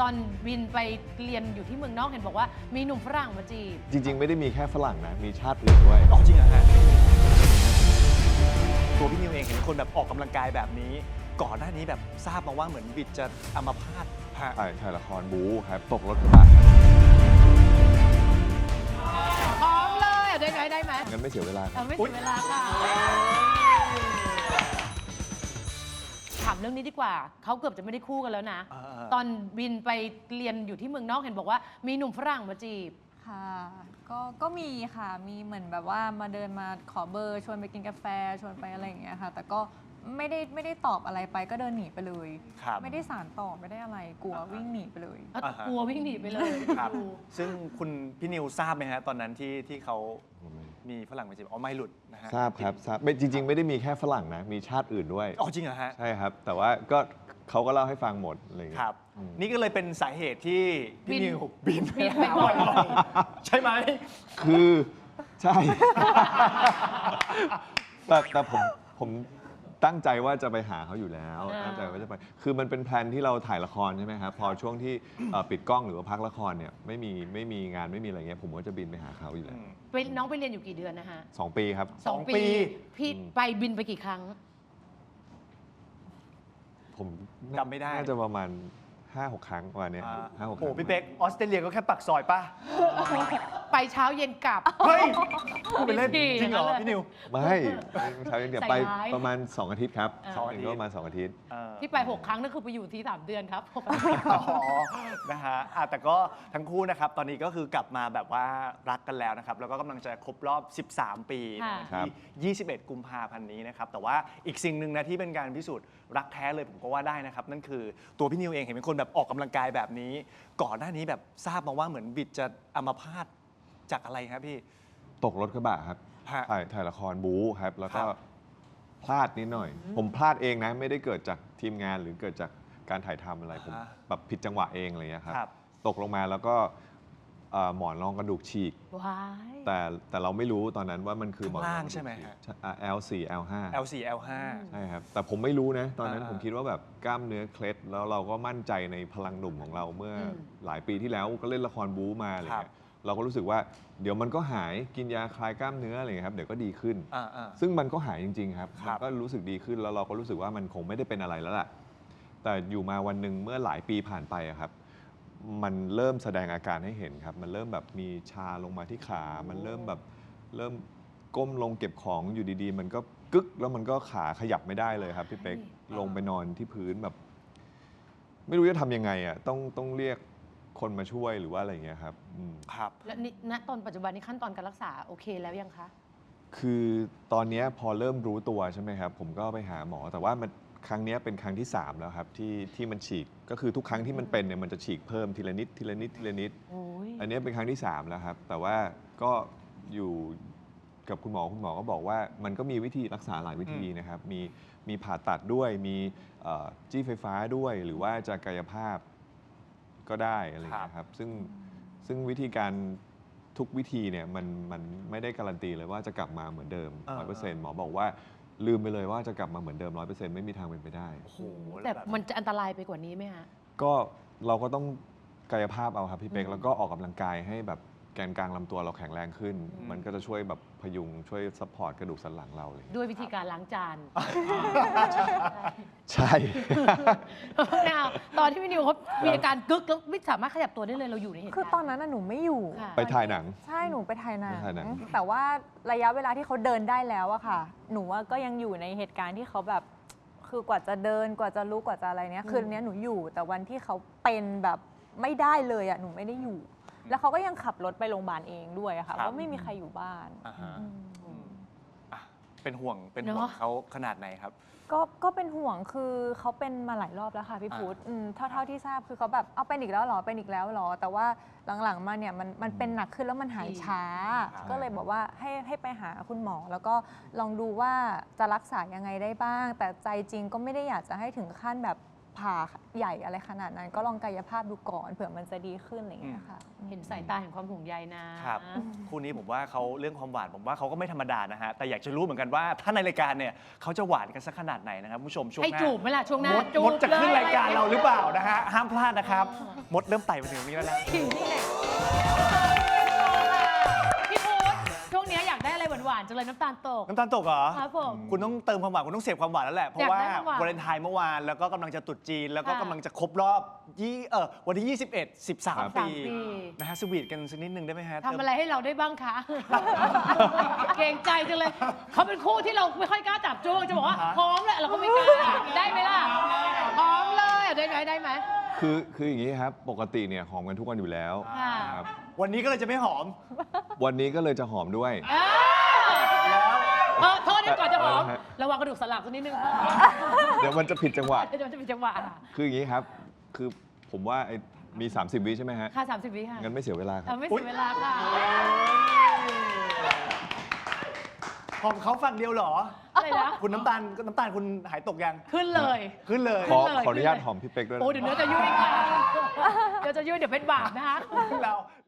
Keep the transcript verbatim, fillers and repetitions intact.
ตอนบินไปเรียนอยู่ที่เมืองนอกเห็นบอกว่ามีหนุ่มฝรั่งมาจีบจริงๆไม่ได้มีแค่ฝรั่งนะมีชาติอื่นด้วยอ๋อจริงเหรอฮะตัวพี่นิวเองเห็นคนแบบออกกำลังกายแบบนี้ก่อนหน้านี้แบบทราบมาว่าเหมือนบิดจะอัมพาตฮะถ่ายถ่ายละครบู๊ครับตกรถกระบะพร้อมเลยได้ไหมได้ไหมงั้นไม่เสียเวลาเออไม่เสียเวลาค่ะถามเรื่องนี้ดีกว่าเขาเกือบจะไม่ได้คู่กันแล้วนะตอนบินไปเรียนอยู่ที่เมืองนอกเห็นบอกว่ามีหนุ่มฝรั่งมาจีบค่ะก็ก็มีค่ะมีเหมือนแบบว่ามาเดินมาขอเบอร์ชวนไปกินกาแฟชวนไปอะไรอย่างเงี้ยค่ะแต่ก็ไม่ได้ไม่ได้ตอบอะไรไปก็เดินหนีไปเลยไม่ได้สารตอบไม่ได้อะไรกลัววิ่งหนีไปเลยกลัววิ่งหนีไปเลยครับซึ่งคุณพี่นิวทราบไหมฮะตอนนั้นที่ที่เขามีฝรั่งมาจีบอ๋อไม่หลุดนะฮะทราบครับทราบจริงๆไม่ได้มีแค่ฝรั่งนะมีชาติอื่นด้วยอ๋อจริงเหรอฮะใช่ครับแต่ว่าก็เขาก็เล่าให้ฟังหมดอะไรอย่างเงี้ยครับนี่ก็เลยเป็นสาเหตุที่พี่นิวบินไปบ่อยใช่ไหมคือใช่แต่แต่ผมผมตั้งใจว่าจะไปหาเขาอยู่แล้วตั้งใจว่าจะไปคือมันเป็นแพลนที่เราถ่ายละครใช่ไหมครับพอช่วงที่ปิดกล้องหรือว่าพักละครเนี่ยไม่มีไม่มีงานไม่มีอะไรเงี้ยผมก็จะบินไปหาเขาอยู่แล้วน้องไปเรียนอยู่กี่เดือนนะฮะสองปีครับสองปีพี่ไปบินไปกี่ครั้งผมจำไม่ได้น่าจะประมาณห้าหกครั้งวันนี้ห้าหกครั้งโอ้พี่เป๊กออสเตรเลียก็แค่ปักซอยป่ะไปเช้าเย็นกลับเฮ้ยพูดเป็นเล่นจริงเหรอพี่นิวไม่เช้าเย็นเดี๋ยวไปประมาณสองอาทิตย์ครับสองอาทิตย์ก็ประมาณสองอาทิตย์ที่ไปหกครั้งนั่นคือไปอยู่ที่สามเดือนครับอ๋อนะฮะแต่ก็ทั้งคู่นะครับตอนนี้ก็คือกลับมาแบบว่ารักกันแล้วนะครับแล้วก็กำลังจะครบรอบสิบสามปีที่ยี่สิบเอ็ดกุมภาพันธ์นี้นะครับแต่ว่าอีกสิ่งหนึ่งนะที่เป็นการพิสูจน์รักแท้เลยผมก็ว่าได้นะครับนั่นคือตัวพี่นิวเองเห็นเป็นคนแบบออกกำลังกายแบบนี้ก่อนหน้านี้แบบทราบมาว่าเหมือนบิดจะอัมพาตจากอะไรครับพี่ตกรถกระบะครับถ่ายถ่ายละครบู๊ครับแล้วก็พลาดนิดหน่อยผมพลาดเองนะไม่ได้เกิดจากทีมงานหรือเกิดจากการถ่ายทำอะไรผมแบบผิดจังหวะเองอะไรอย่างเงี้ยครับตกลงมาแล้วก็หมอนรองกระดูกฉีกแต่แต่เราไม่รู้ตอนนั้นว่ามันคือหมอนรองล่างใช่ไหมฮะแอล โฟร์ แอล ไฟว์แอล โฟร์ แอล ไฟว์ใช่ครับแต่ผมไม่รู้นะตอนนั้นผมคิดว่าแบบกล้ามเนื้อเคล็ดแล้วเราก็มั่นใจในพลังหนุ่มของเราเมื่อหลายปีที่แล้วก็เล่นละครบู๊มาอะไรเงี้ยเราก็รู้สึกว่าเดี๋ยวมันก็หายกินยาคลายกล้ามเนื้ออะไรเงี้ยครับเดี๋ยวก็ดีขึ้นซึ่งมันก็หายจริงๆครับมันก็รู้สึกดีขึ้นแล้วเราก็รู้สึกว่ามันคงไม่ได้เป็นอะไรแล้วล่ะแต่อยู่มาวันหนึ่งเมื่อหลายปีผ่านไปครับมันเริ่มแสดงอาการให้เห็นครับมันเริ่มแบบมีชาลงมาที่ขามันเริ่มแบบเริ่มก้มลงเก็บของอยู่ดีๆมันก็กึกแล้วมันก็ขาขยับไม่ได้เลยครับพี่เป๊กลงไปนอนที่พื้นแบบไม่รู้จะทำยังไงอ่ะต้องต้องเรียกคนมาช่วยหรือว่าอะไรอย่างเงี้ยครับครับแล้วณตอนปัจจุบันนี้ขั้นตอนการรักษาโอเคแล้วยังคะคือตอนนี้พอเริ่มรู้ตัวใช่ไหมครับผมก็ไปหาหมอแต่ว่ามันครั้งนี้เป็นครั้งที่สามแล้วครับที่ที่มันฉีกก็คือทุกครั้งที่มันเป็นเนี่ยมันจะฉีกเพิ่มทีละนิดทีละนิดทีละนิดอันนี้เป็นครั้งที่สามแล้วครับแต่ว่าก็อยู่กับคุณหมอคุณหมอก็บอกว่ามันก็มีวิธีรักษาหลายวิธีนะครับมีมีผ่าตัดด้วยมีจี้ไฟฟ้าด้วยหรือว่าจะกายภาพก็ได้อะไรอย่างเงี้ยครับซึ่งซึ่งวิธีการทุกวิธีเนี่ยมันมันไม่ได้การันตีเลยว่าจะกลับมาเหมือนเดิม ร้อยเปอร์เซ็นต์ หมอบอกว่าลืมไปเลยว่าจะกลับมาเหมือนเดิม ร้อยเปอร์เซ็นต์ ไม่มีทางเป็นไปได้แต่มันจะอันตรายไปกว่านี้ไหมฮะก็เราก็ต้องกายภาพเอาครับพี่เป๊กแล้วก็ออกกำลังกายให้แบบแกนกลางลำตัวเราแข็งแรงขึ้นมันก็จะช่วยแบบพยุงช่วยซัพพอร์ตกระดูกสันหลังเราเลยด้วยวิธีการล้างจานใช่ now ตอนที่พี่นิวเขามีอาการกึกแล้วไม่สามารถขยับตัวได้เลยเราอยู่ในเหตุการณ์คือตอนนั้นหนูไม่อยู่ไปถ่ายหนังใช่หนูไปถ่ายหนังแต่ว่าระยะเวลาที่เขาเดินได้แล้วอะค่ะหนูก็ยังอยู่ในเหตุการณ์ที่เขาแบบคือกว่าจะเดินกว่าจะรู้กว่าจะอะไรเนี้ยคืนนี้หนูอยู่แต่วันที่เขาเป็นแบบไม่ได้เลยอะหนูไม่ได้อยู่แล้วเขาก็ยังขับรถไปโรงพยาบาลเองด้วยค่ะเพราะไม่มีใครอยู่บ้านเป็นห่วงเป็นห่วงเขาขนาดไหนครับก็ก็เป็นห่วงคือเขาเป็นมาหลายรอบแล้วค่ะพี่พุทธเท่าเท่าที่ทราบคือเขาแบบเอาเป็นอีกแล้วหรอเป็นอีกแล้วหรอแต่ว่าหลังๆมาเนี่ยมันมันเป็นหนักขึ้นแล้วมันหายช้าก็เลยบอกว่าให้ให้ไปหาคุณหมอแล้วก็ลองดูว่าจะรักษายังไงได้บ้างแต่ใจจริงก็ไม่ได้อยากจะให้ถึงขั้นแบบผ่าใหญ่อะไรขนาดนั้น ก็ลองกายภาพดูก่อนเผื่อมันจะดีขึ้นอะไรอย่างเงี้ยค่ะเห็นสายตาเห็นความห่วงใยนะครับคู่นี้ผมว่าเขาเรื่องความหวานผมว่าเขาก็ไม่ธรรมดานะฮะแต่อยากจะรู้เหมือนกันว่าถ้าในรายการเนี่ยเขาจะหวานกันสักขนาดไหนนะครับผู้ชมช่วงหให้น้าจูบไหมล่ะช่วงหน้ามดจูมบดจะขึ้นลรายการเราหรือเปล่านะฮะห้ามพลาดนะครับมดเริ่มไต่มาถึงตรงนี้แล้วนะนี่แหละพี่พุธช่วงนี้อยากได้อะไรหวานๆจังเลยน้ำตาลตกน้ำตาลตกเหรอครับผมคุณต้องเติมความหวานคุณต้องเสพความหวานแล้วแหละเพราะว่าอยากได้ความหวานวาเลนไทน์เมื่อวานแล้วก็กำลังจะตรุษจีนแล้วก็ค่ะกำลังจะครบรอบยี่เออวันที่ยี่สิบเอ็ด สิบสามครับปีปีนะฮะสวีทกันสักนิดนึงได้ไหมฮะทำอะไรให้เราได้บ้างคะ เกรงใจจังเลย เขาเป็นคู่ที่เราไม่ค่อยกล้าจับจ้วงจะบอกว่าพร้อมแหละเราก็ไม่กล้า ได้ไหมล่ะพร้อมเลยได้ไหมได้ไหมคือคืออย่างนี้ครับ ปกติเนี่ยหอมกันทุกวันอยู่แล้วค่ะครับวันนี้ก็เลยจะไม่หอมวันนี้ก็เลยจะหอมด้วยเอ้ยเออโทษนะก่อนจะหอมเออฮะระวังกระดูกสันหลังสักนิดนึงเดี๋ยวมันจะผิดจังหวะเดี๋ยวมันจะเป็นจังหวะค่ะคืออย่างนี้ครับ คือผมว่าไอ้มี สามสิบ วิใช่ไหมฮะค่ะสามสิบวิค่ะงั้นไม่เสียเวลาคเอรัอบ ไม่เสียเวลาค่ะหอมเขาฝั่งเดียวเหรออะไรนะคุณน้ำตาลน้ำตาลคุณหายตกยังขึ้นเลยขึ้นเลยขอขึ้นเลยขออนุญาตขึ้นเลยหอมพี่เป๊กด้วยนะโอ้เดี๋ยวเนื้อจะยุ่ยค่ะเดี๋ยวจะยุ่ยเดี๋ยวเป็นบาปนะคะเรา